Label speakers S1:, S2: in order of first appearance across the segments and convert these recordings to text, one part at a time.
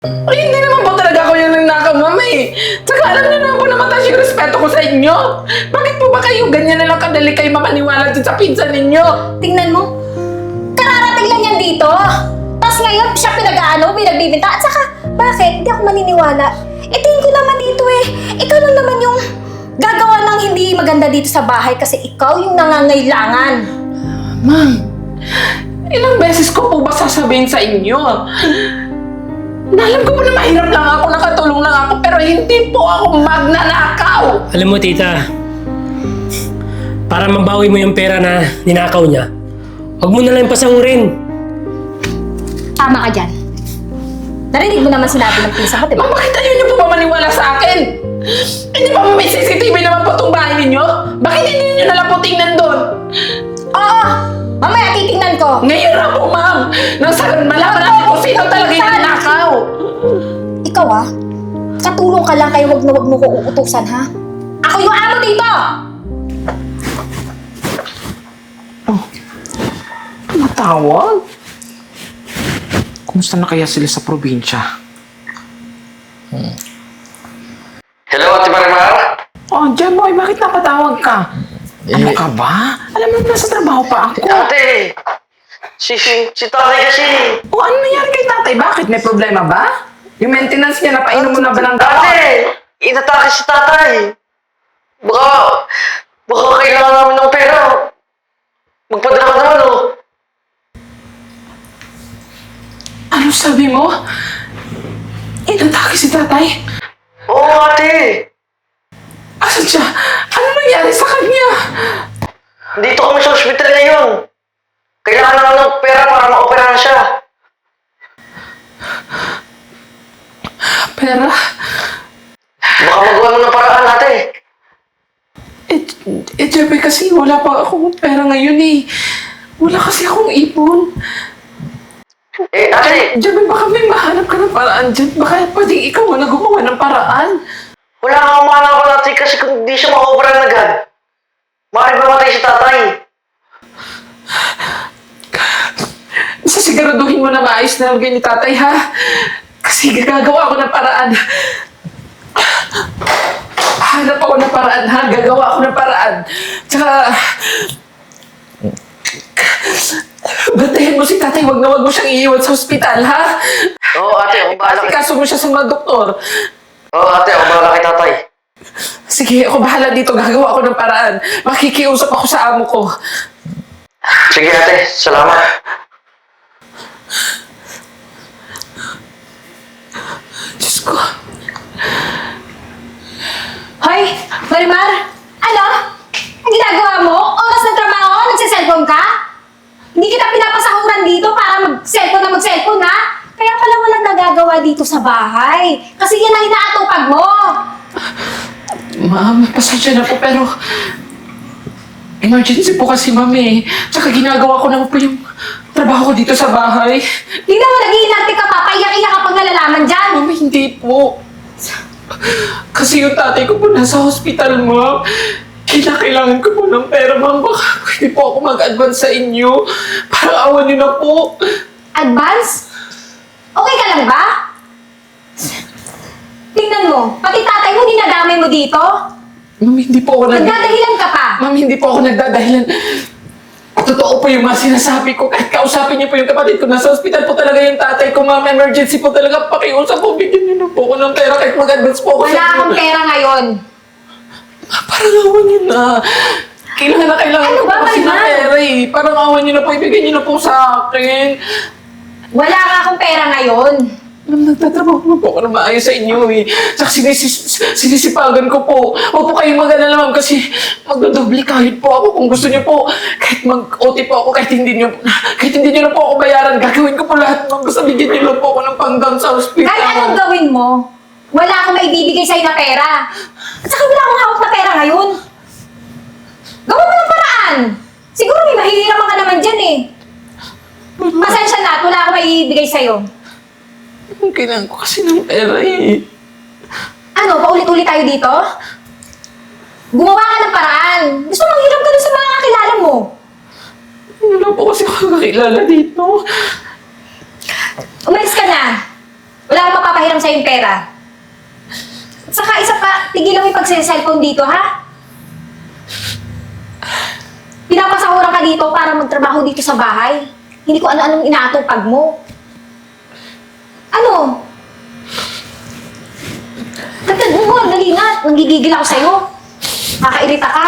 S1: Ay, hindi naman po talaga ako yung nanakaw, ma'am eh. Tsaka alam niyo naman po na mataas yung respeto ko sa inyo. Bakit po ba kayo ganyan na lang kadali kayo mamaniwala dyan sa pinsan ninyo?
S2: Tingnan mo, kararating lang yan dito. Tapos ngayon, siya pinagbibinta. At saka, bakit? Hindi ako maniniwala. Tingin ko naman dito eh. Ikaw lang naman yung gagawa ng hindi maganda dito sa bahay kasi ikaw yung nangangailangan.
S1: Ma'am, ilang beses ko po ba sasabihin sa inyo? Na alam ko po na mahirap lang ako, nakatulong lang ako, pero hindi po ako magnanakaw.
S3: Alam mo, tita, para mabawi mo yung pera na ninakaw niya, huwag mo na lang pasangurin.
S2: Tama ka dyan. Narinig mo naman sinabi ng pinsa ko, diba?
S1: Ma'am, bakit ayaw niyo po ba maniwala sa akin? Hindi ba may CCTV naman po itong bahay ninyo? Bakit hindi niyo na lang po tingnan doon?
S2: Oo! Mamaya titingnan ko.
S1: Ngayon na po, ma'am. Nang malaman natin kung sino talaga yung nanakaw.
S2: Ikaw katulong ka lang kaya wag na wag mo ko uutusan, ha? Ako yung amo dito!
S1: Matawag? Kumusta na kaya sila sa probinsya?
S4: Hello, Ate Marimar?
S1: Oh, Jeboy, bakit napatawag ka? Ano ka ba? Alam mo, nasa trabaho pa ako.
S4: Ate! Si tatay kasi.
S1: O, ano nangyari kay tatay? Bakit? May problema ba? Yung maintenance niya, napainom mo na ba ng gamot?
S4: Ate! Inatake si tatay. Baka kailangan namin ng pera. Magpadala ka naman, oh.
S1: Ano sabi mo? Inatake si tatay?
S4: Oo, ate.
S1: Asan siya? Ano nangyari sa kanya?
S4: Dito kami sa ospital ngayon. Kailangan naman ng pera para maoperahan siya.
S1: Pera?
S4: Baka magawa mo ng paraan, ate.
S1: Jeboy, kasi wala pa akong pera ngayon eh. Wala kasi akong ipon.
S4: Ate,
S1: Jeboy, baka may mahanap ka ng paraan dyan. Baka pwedeng ikaw na gumawa ng paraan.
S4: wala kang mahanapan, ate, kasi kung di siya maoperahan agad, maaaring mamatay si tatay.
S1: Siguraduhin mo na maayos na lang ni tatay, ha? Kasi gagawa ako ng paraan. Hanap ako ng paraan, ha? Gagawa ako ng paraan. Tsaka, bantayan mo si tatay. Wag na wag mo siyang iiwan sa ospital, ha?
S4: Oo, ate, ako bahala kay...
S1: Kaso mo siya sa mga doktor.
S4: Oo, ate, ako bahala kay tatay.
S1: Sige, ako bahala dito. Gagawa ako ng paraan. Makikiusap ako sa amo ko.
S4: Sige, ate, salamat.
S1: Diyos ko.
S2: Hoy, Marimar! Ano? Ang ginagawa mo? Oras ng trabaho? Nagsiselfone ka? Hindi kita pinapasahuran dito para mag-cellphone, ha? Kaya pala walang nagagawa dito sa bahay. Kasi yan ang inaatupag mo.
S1: Ma'am, pasensya na po, pero emergency po kasi, ma'am eh. Tsaka ginagawa ko naman po yung trabaho ko dito sa bahay.
S2: Tingnan mo, nag-iinarte ka pa. Paiyak-iyak ka pag nalalaman dyan.
S1: Ma'am, hindi po. Kasi yung tatay ko po nasa hospital, ma'am. Kailangan ko po ng pera, ma'am. Baka pwede po ako mag-advance sa inyo. Parang awan niyo na po.
S2: Advance? Okay ka lang ba? Tingnan mo, pati tatay mo dinadamay mo dito.
S1: Ma'am, hindi po ako
S2: Nagdadahilan ka pa.
S1: Ma'am, hindi po ako nagdadahilan. Totoo po yung mga sinasabi ko. Kahit kausapin niyo po yung kapatid ko. Nasa hospital po talaga yung tatay ko, ma'am. Emergency po talaga. Pakiusap po. Bigyan niyo na po ako ng pera kahit mag-advance po ako
S2: Wala
S1: sa
S2: akong pera ngayon.
S1: Parang awan niyo na. Kailangan na kailangan
S2: Ano
S1: ko
S2: ba,
S1: po kasi ng
S2: Marimar?
S1: pera eh. Parang awan niyo na po. Ibigay niyo na po sa akin.
S2: Wala nga akong pera ngayon.
S1: Ma'am, nagtatrabaho na po ako na maayos sa inyo eh. Saka sinisipagan ko po. Huwag po kayong mag-alala, ma'am, kasi magdodoble kahit po ako kung gusto niyo po. Kahit mag-OT po ako, kahit hindi niyo na po ako bayaran, gagawin ko po lahat, ma'am. Basta bigyan niyo lang po ako ng panggang sa hospital.
S2: Kahit anong gawin mo, wala akong maibibigay sa'yo na pera. At saka wala akong hawak na pera ngayon. Gawa mo ng paraan. Siguro may mahihirapan ka naman dyan eh. Pasensya na at wala akong maibibigay sa'yo.
S1: Kailangan ko kasi ng pera eh.
S2: Ano, paulit-ulit tayo dito? Gumawa ka ng paraan. Gusto mong hiram ka dun sa mga kakilala mo.
S1: Wala po kasi ako kakilala dito.
S2: Umalis ka na. Wala akong mapapahiram sa'yo yung pera. At saka isa pa, tigilan mo yung pagsiselfone dito, ha? Pinapasahuran ka dito para magtrabaho dito sa bahay. Hindi ko ano-anong inaatupag mo. Ano? Dagdag mo, dali na. Nanggigigil ako sa'yo. Nakakairita ka.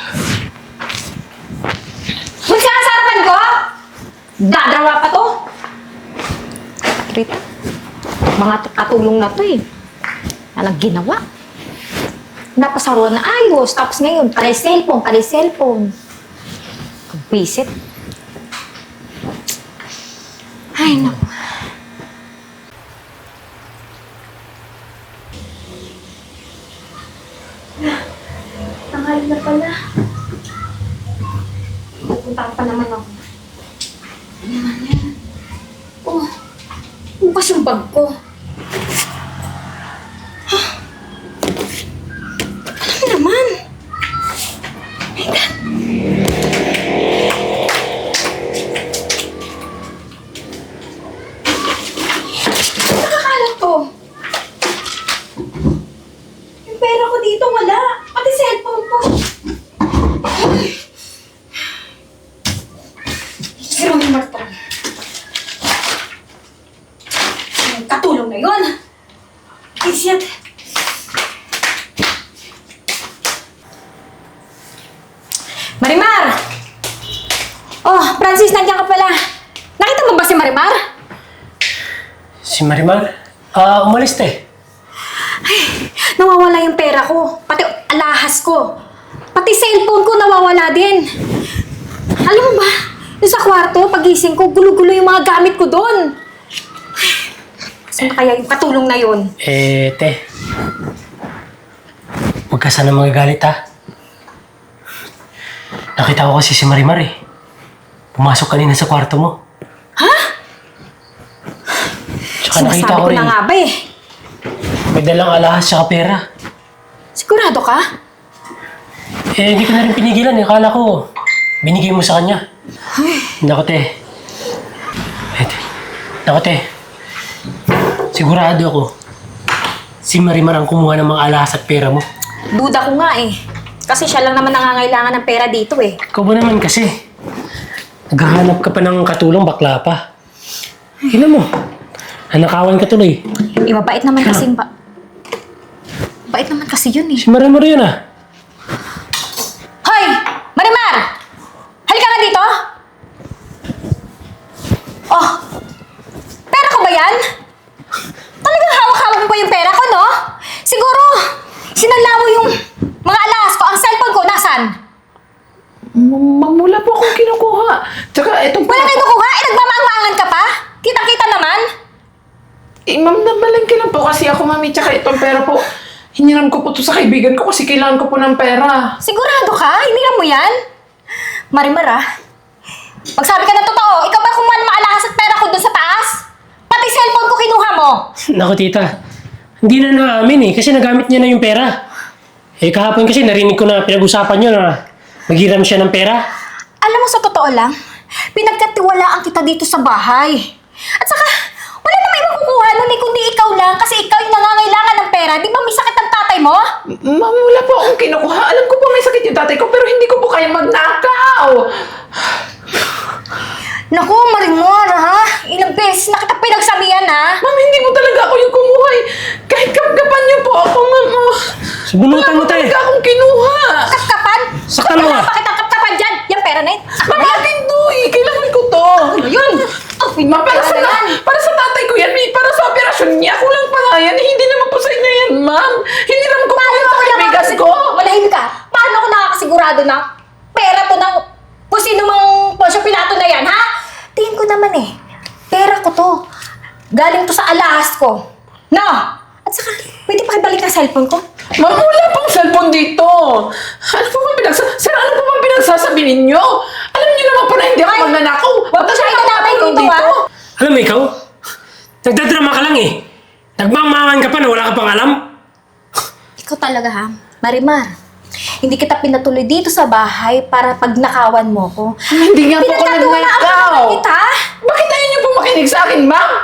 S2: Huwag ka sa harapan ko! Dadrawa pa to. Rita, mga katulong na to eh. Anong ginawa? Napasaruan na ayos. Tapos ngayon, pare cellphone. Visit. Ay, naku. Tanghali na pala. Pupunta pa naman ako. Ano naman yan? Oh, bukas yung bag ko. Ano naman? My God. Nakakalat to. Yung pera ko dito wala. Pati cellphone ko. Zero yung Martron. Yung katulong na yun. Isyat. Marimar! Oh, Francis, nandiyan ka pala. Nakita mo ba si Marimar?
S3: Si Marimar? Umalis te.
S2: Nawawala yung pera ko. Pati alahas ko. Pati cellphone ko nawawala din. Alam mo ba, yung sa kwarto, pagising ko, gulo-gulo yung mga gamit ko doon. Saan na kaya yung katulong na yun?
S3: Te. Huwag ka sana magagalit ha. Nakita ko kasi si Marimar eh. Pumasok kanina sa kwarto mo.
S2: Ha?
S3: Tsaka nakita ko
S2: Sinasabi ko
S3: rin,
S2: na nga ba eh.
S3: may dalang alahas tsaka pera.
S2: Sigurado ka?
S3: Hindi ko na rin pinigilan eh. Akala ko, binigay mo sa kanya. Naku te. Naku te. Sigurado ako, si Marimar ang kumuha ng mga alahas at pera mo.
S2: Duda ko nga eh. Kasi siya lang naman nangangailangan ng pera dito eh.
S3: Ikaw ba naman kasi? Naghahanap ka pa ng katulong, bakla pa. Tingnan mo. Nanakawan ka tuloy.
S2: Mabait naman kasi Bait naman kasi yun eh.
S3: Si Marimar yun ah.
S2: Hoy! Marimar! Halika nga dito! Oh! Pera ko ba yan? Talagang hawak-hawak mo pa yung pera ko, no? Siguro, sinala mo yung mga alahas ko. Ang cellphone ko, nasan?
S1: Ma'am, wala po akong kinukuha. Tsaka etong
S2: Wala kayo kukuha? Eh, nagmamaang-maangan ka pa? Kitang-kita naman?
S1: Ma'am, nabalangki lang po kasi ako, mami. Tsaka itong pera po, hiniram ko po to sa kaibigan ko kasi kailangan ko po ng pera.
S2: Sigurado ka? Hiniram mo yan? Marimar, ah. Magsabi ka ng totoo. Ikaw ba kumuha ng mga alahas at pera ko doon sa taas? Pati cellphone ko kinuha mo.
S3: Naku tita, hindi na naamin eh. Kasi nagamit niya na yung pera. Kahapon kasi narinig ko na pinag-usapan niyo na maghiram siya ng pera.
S2: Alam mo, sa totoo lang, pinagkatiwalaan kita dito sa bahay. At saka, wala na may makukuha nun eh, kundi ikaw lang kasi ikaw yung nangangailangan ng pera. Di ba may sakit ang tatay mo?
S1: Ma'am, wala po akong kinukuha. Alam ko po may sakit yung tatay ko pero hindi ko po kaya magnakaw.
S2: Naku, Marimar, ha? Ilang beses na kita pinagsabihan, ha?
S1: Ma'am, hindi mo talaga ako yung kumuha eh. Kahit kapkapan niyo po ako, ma'am.
S3: Subunutan mo
S1: Wala po
S3: tayo.
S1: talaga akong kinuha.
S2: Kapkapan?
S3: Saktan mo,
S2: Wala
S3: ah.
S2: pa kitang kapkapan dyan. Yung pera na yun.
S1: Ma'am, akin to eh. Kailangan ko to.
S2: Yun.
S1: Ma'am, para sa tatay ko yan. Para sa operasyon niya. Kulang pa nga yan. Hindi naman po sa inyo yan, ma'am. Hiniram ko po yan sa kaibigan ko.
S2: Malahim ka. Paano ako nakakasigurado na pera to ng kung sino mang Poncio Pilato na yan, ha? Tingin ko naman eh. Pera ko to. Galing to sa alahas ko. No! At saka, pwede pa ibalik ang cellphone ko?
S1: Ma'am, wala pong cellphone dito. Ano po bang Sir, ano po bang pinagsasabi ninyo? Alam niyo naman po na hindi ako
S2: Ay,
S1: magnanakaw.
S2: wag mo siya itanapay dito, ha?
S3: Alam mo ikaw, nagdadrama ka lang eh. Nagmangmangan ka pa na wala ka pang alam.
S2: Ikaw talaga, ha? Marimar, hindi kita pinatuloy dito sa bahay para pagnakawan mo ko.
S1: Hindi nga po ako
S2: Pinagkatiwalaan
S1: nagnakaw.
S2: naman kita.
S1: Bakit ayaw niyo po makinig sa akin, ma'am?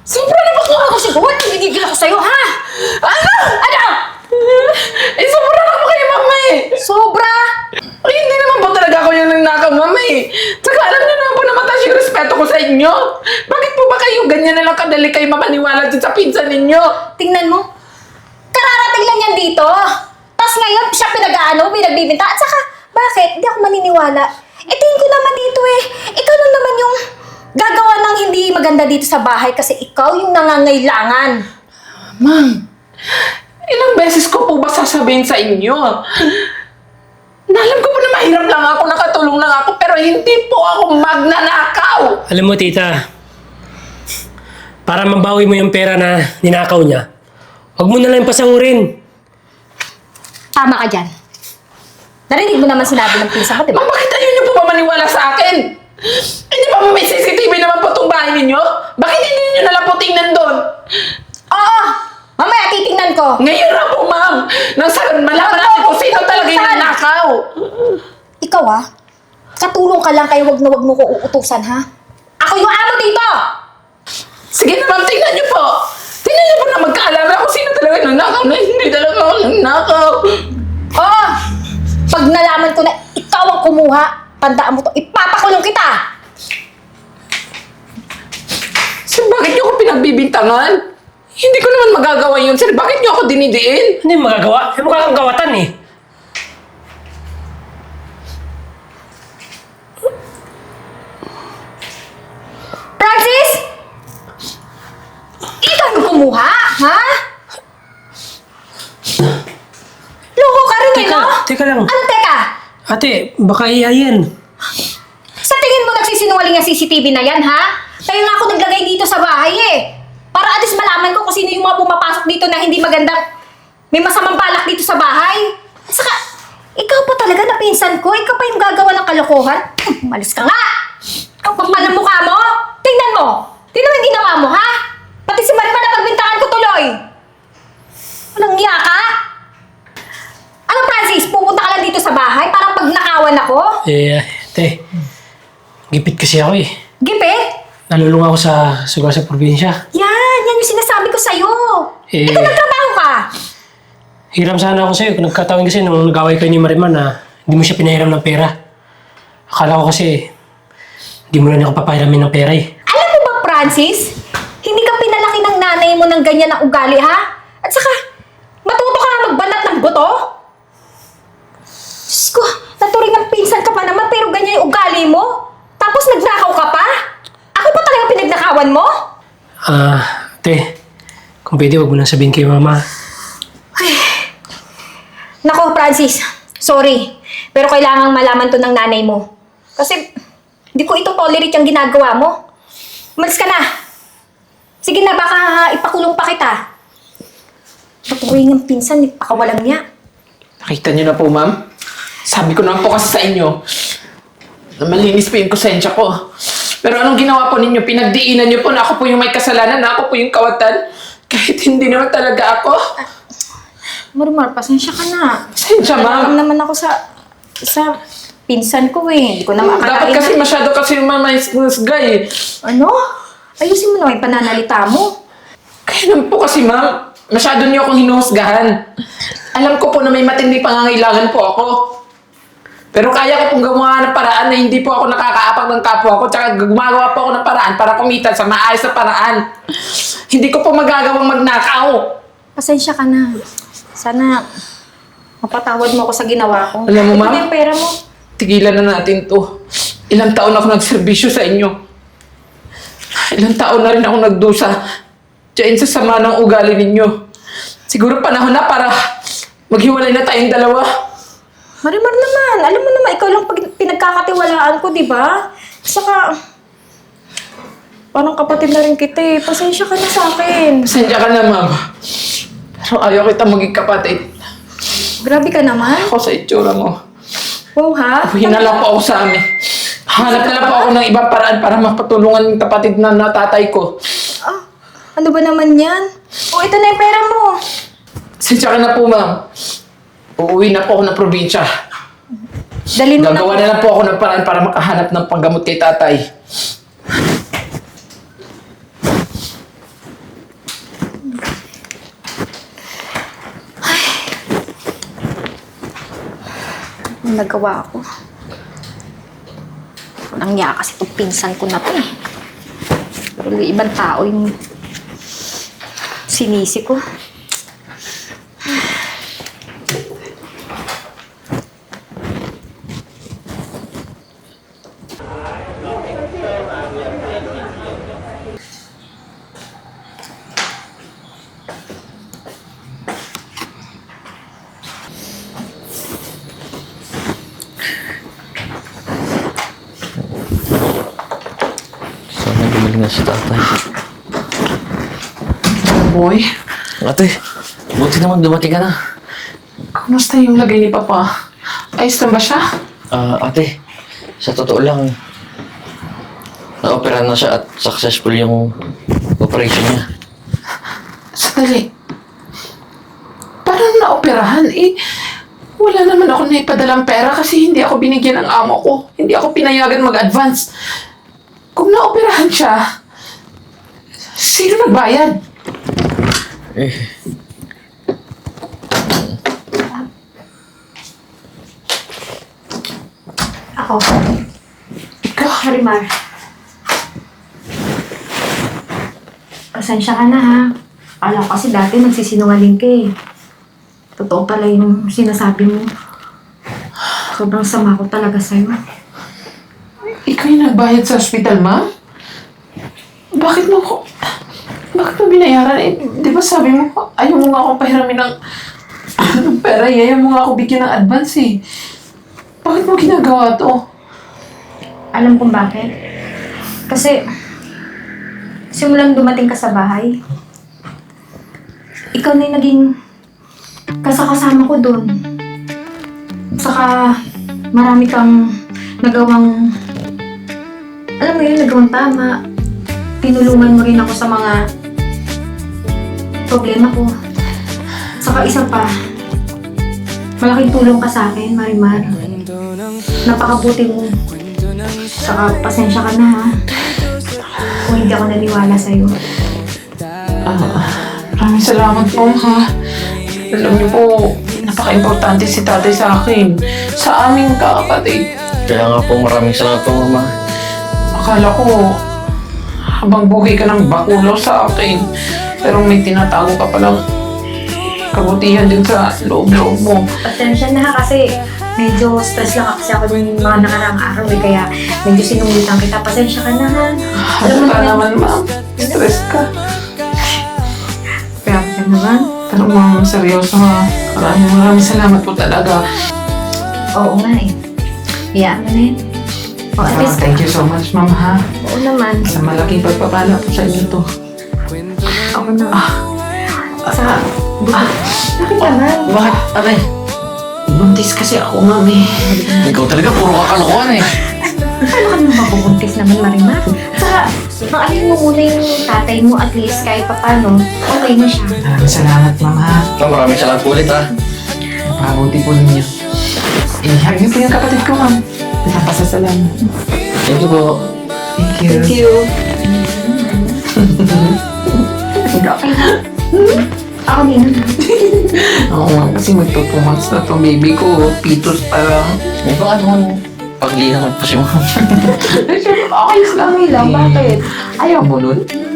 S2: Sobra na bakla ako siguro. Nanginigil ako sa'yo, ha?
S1: Ano?
S2: Ano?
S1: Eh, sobra na po kayo, mama eh.
S2: Sobra?
S1: Ay, hindi naman po talaga ako yung nangnakaw, mama eh. Tsaka alam niyo naman po na mataas yung respeto ko sa inyo. Bakit po ba kayo ganyan na lang kadali kayo mamaniwala dyan sa pinsan ninyo?
S2: Tingnan mo. Kararating lang yan dito. Tapos ngayon, siya pinagbibinta. At saka, bakit? Hindi ako maniniwala. Tingin ko naman dito eh. Ikaw lang naman yung gagawa ng hindi maganda dito sa bahay kasi ikaw yung nangangailangan.
S1: Ma'am, ilang beses ko po ba sasabihin sa inyo? Alam ko po na mahirap lang ako, nakatulong lang ako, pero hindi po ako magnanakaw.
S3: Alam mo, tita, para mabawi mo yung pera na ninakaw niya, huwag mo na lang pasangurin.
S2: Tama ka dyan. Narinig mo naman sinabi ng pinsa ko, di ba?
S1: Ma'am, bakit ayaw niyo po ba maniwala sa akin? Hindi ba may CCTV naman po itong bahay ninyo? Bakit hindi niyo na lang po tingnan doon?
S2: Oo! Mamaya titingnan ko.
S1: Ngayon na po, ma'am. Nasa malaman natin kung sino talaga yung
S2: Saan?
S1: nanakaw.
S2: Ikaw katulong ka lang kaya wag na wag mo ko uutusan, ha? Ako yung amo dito!
S1: Sige na, ma'am, tingnan niyo po. Tingnan niyo po na magkaalaman kung sino talaga yung nanakaw na hindi talaga ako nanakaw.
S2: Oo! Pag nalaman ko na ikaw ang kumuha, tandaan mo to, ipapakulong kita!
S1: Sir, bakit niyo ako pinagbibintangan? Hindi ko naman magagawa yun, sir. Bakit niyo ako dinidiin?
S3: Ano yung magagawa? Eh, mukha kang gawatan eh.
S2: Francis! Ikaw yung kumuha, ha? Loko ka rin eh, no?
S3: Teka lang.
S2: Ano teka?
S3: Ate, baka iyayin.
S2: Sa tingin mo nagsisinungaling ang CCTV na yan, ha? Kaya nga ako naglagay dito sa bahay eh. Para at least malaman ko kung sino yung mga pumapasok dito na hindi magandang may masamang balak dito sa bahay. At saka, ikaw pa talaga na pinsan ko. Ikaw pa yung gagawa ng kalokohan. Malis ka nga! Ang kapal ng mukha mo! Tingnan mo! Tingnan mo yung ginawa mo, ha? Pati si Marimar na pagbintangan ko tuloy! Walang niya ka? Ano, Francis? Pupunta ka lang dito sa bahay para pag nakawan ako?
S3: Eh, ate, gipit kasi ako eh.
S2: Gipit?
S3: Nalulung ako sa sugar sa probinsya.
S2: Yan yung sinasabi ko sa'yo.
S3: Eh.
S2: Ito nagtrabaho ka.
S3: Hiram sana ako sa'yo. Kung nagkataon kasi nung nag-away kayo ni Marimar na hindi mo siya pinahiram ng pera. Akala ko kasi hindi mo na niya ako papahiramin ng pera eh.
S2: Alam mo ba, Francis? Hindi ka pinalaki ng nanay mo ng ganyan na ugali, ha? At saka, matuto ka na magbanat ng buto? Diyos ko, naturing ng pinsan ka pa naman pero ganyan yung ugali mo? Tapos nagnakaw ka pa? Ako pa talaga pinagnakawan mo?
S3: Ate, kung pwede wag mo nang sabihin kay mama.
S2: Nako, Francis. Sorry. Pero kailangang malaman to ng nanay mo. Kasi, hindi ko ito tolerate yung ginagawa mo. Umalis ka na. Sige na, baka ipakulong pa kita. Patuloy ng pinsan, ipakawalang niya.
S1: Nakita niyo na po, ma'am. Sabi ko naman po kasi sa inyo na malinis po yung konsensya ko. Pero anong ginawa po ninyo? Pinagdiinan niyo po na ako po yung may kasalanan, na ako po yung kawatan. Kahit hindi naman talaga ako.
S2: Marimar, pasensya ka na.
S1: Pasensya, ma'am.
S2: Alam naman ako sa pinsan ko eh. Hindi ko na makakalain.
S1: Dapat kasi masyado kasi guy.
S2: Ano? Ayusin mo naman yung pananalita mo.
S1: Kaya naman po kasi, ma'am, masyado niyo akong hinuhusgahan. Alam ko po na may matindi pangangailangan po ako. Pero kaya ko pong gumawa ng paraan na hindi po ako nakakaapag ng kapwa ko, tsaka gumagawa po ako ng paraan para kumita sa maayos na paraan. Hindi ko po magagawang magnakaw.
S2: Pasensya ka na. Sana mapatawad mo ako sa ginawa ko.
S1: Alam mo,
S2: Ito
S1: ma'am?
S2: na yung pera mo.
S1: Tigilan na natin to. Ilang taon ako nagserbisyo sa inyo. Ilang taon na rin ako nagdusa diyan sa sama ng ugali ninyo. Siguro panahon na para maghiwalay na tayong dalawa.
S2: Marimar naman. Alam mo naman, ikaw lang pinagkakatiwalaan ko, di ba? Saka, parang kapatid na rin kita eh. Pasensya ka na sa akin.
S1: Pasensya ka na, ma'am. Pero ayaw kita maging kapatid.
S2: Grabe ka naman.
S1: Ako sa itsura mo.
S2: Wow, ha?
S1: Uwi na lang po ako sa amin. Hanap na lang po ako ng ibang paraan para mapatulungan yung kapatid na natatay ko.
S2: Ah, ano ba naman yan? O, ito na yung pera mo.
S1: Pasensya ka na po, ma'am. Uuwi na po ako ng probinsya.
S2: Dalhin mo
S1: Gagawa na lang po ako ng paraan para makahanap ng panggamot kay tatay.
S2: Ang nagawa ko. Walang niya kasi itong pinsan ko na to eh. Pero yung ibang tao yung sinisi ko.
S4: Sana gumaling na si tatay.
S1: Boy,
S4: Ate, buti naman dumating ka na.
S1: kumusta yung lagay ni Papa? Ayos na ba siya?
S4: Ate, sa totoo lang, na-opera na siya at successful yung operation niya.
S1: Sandali. Parang naoperahan eh. Wala naman ako naipadalang pera kasi hindi ako binigyan ng amo ko. Hindi ako pinayagan mag-advance. Kung naoperahan siya, sino nagbayad?
S2: Ako.
S1: Ikaw?
S2: Marimar. Pasensya ka na ha. Alam ko kasi dati nagsisinungaling ka eh. Totoo pala yung sinasabi mo. Sobrang sama ko talaga sa'yo.
S1: Ikaw yung nagbayad sa ospital, ma'am? Bakit mo binayaran? Eh, di ba sabi mo, ayaw mo nga akong pahiramin ng pera, ayaw mo nga ako bigyan ng advance eh. Bakit mo ginagawa to?
S2: Alam kong bakit. Kasi, simulang dumating ka sa bahay, ikaw na yung naging kasakasama ko doon. Saka, marami kang nagawang, alam mo yun, nagawang tama. Tinulungan mo rin ako sa mga problema ko. Saka isa pa, malaking tulong ka sa akin, Marimar. Napakabuti mo. Saka pasensya ka na ha. Kung hindi ako naniwala sa'yo.
S1: Maraming salamat po, ha. Alam niyo po, napaka-importante si tatay sa akin. Sa aming kakapatid.
S4: Kaya nga po maraming salamat po, Mama.
S1: Akala ko, habang buhay ka ng bakulo sa akin. Pero may tinatago ka palang kabutihan din sa loob-loob mo.
S2: Pasensya na ha kasi medyo stress lang kasi ako din mga nakaraang araw eh. Kaya medyo sinungitan kita. Pasensya ka na ha. Alam mo
S1: Ka naman, ma'am. Stress ka.
S2: Grabe ka naman.
S1: Pero ma'am, seryoso ha. Maraming salamat po talaga.
S2: Oo nga eh. Iyaan mo na yun. O at least,
S1: Thank you so much, ma'am, ha.
S2: oo naman.
S1: Sa malaking pagpapala po sa inyo to.
S2: Ako na. Sa, bakit naman?
S4: Bakit, ate?
S1: Buntis kasi ako, ma'am, eh.
S4: Ikaw talaga, puro kakalokohan eh.
S2: Paano ka naman mabubuntis naman, Marimar? Saka, maalin mo muna yung tatay mo at least kahit papano, okay na siya.
S1: Maraming salamat, ma'am, ha.
S4: Maraming salamat po ulit, ha.
S1: Napabuti po ninyo. Hug niyo po yung kapatid ko, ma'am. Napasasalamat.
S4: Thank you po.
S1: Thank you.
S2: Thank you. Ako din.
S1: Oo, ma'am, kasi magto 2 months na to, baby ko. Pitos pa lang.
S4: May baka naman paglilangan po si Mama.
S1: Ayos lang.
S2: Okay lang, bakit?
S1: Ayaw mo nun?